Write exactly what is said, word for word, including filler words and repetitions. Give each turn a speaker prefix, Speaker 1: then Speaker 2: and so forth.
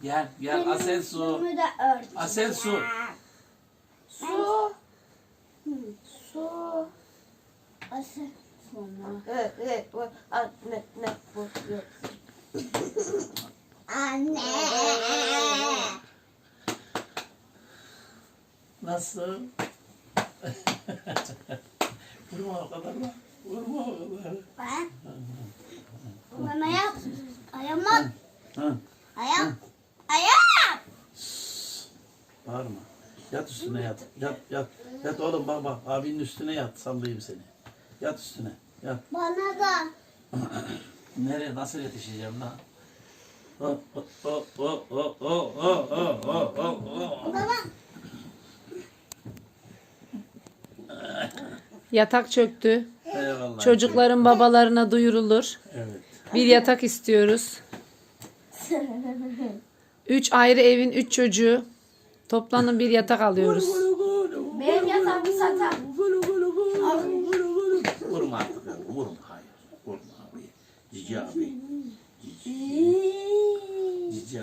Speaker 1: Gel gel Asel su.
Speaker 2: Üstümü de örteceğim.
Speaker 1: Asel su.
Speaker 2: Su. Su. Asel. Sonra.
Speaker 3: Evet, evet, bu, anne, ne, bu, yok.
Speaker 2: Anne.
Speaker 1: Nasıl? Vurma o kadar lan. Vurma o kadar.
Speaker 2: Ben. Bana yap. Ayağım at.
Speaker 1: Hı.
Speaker 2: Ayağım. Ayağım.
Speaker 1: Bağırma. Yat üstüne yat. Yat yat. Yat oğlum bak bak. Abinin üstüne yat. Sallayayım seni. Yat üstüne. Yat.
Speaker 2: Bana da.
Speaker 1: Nereye nasıl yetişeceğim lan? Oh, oh, oh, oh, oh, oh, oh, oh, oh, oh, oh.
Speaker 2: Baba.
Speaker 4: Yatak çöktü.
Speaker 1: Eyvallah.
Speaker 4: Çocukların babalarına duyurulur.
Speaker 1: Evet.
Speaker 4: Bir yatak istiyoruz. Üç ayrı evin üç çocuğu. Toplanın bir yatak alıyoruz.
Speaker 2: Benim yatağımı satar.
Speaker 1: Vurma artık. Vurma. Hayır. Vurma abi. Cici abi. Cici.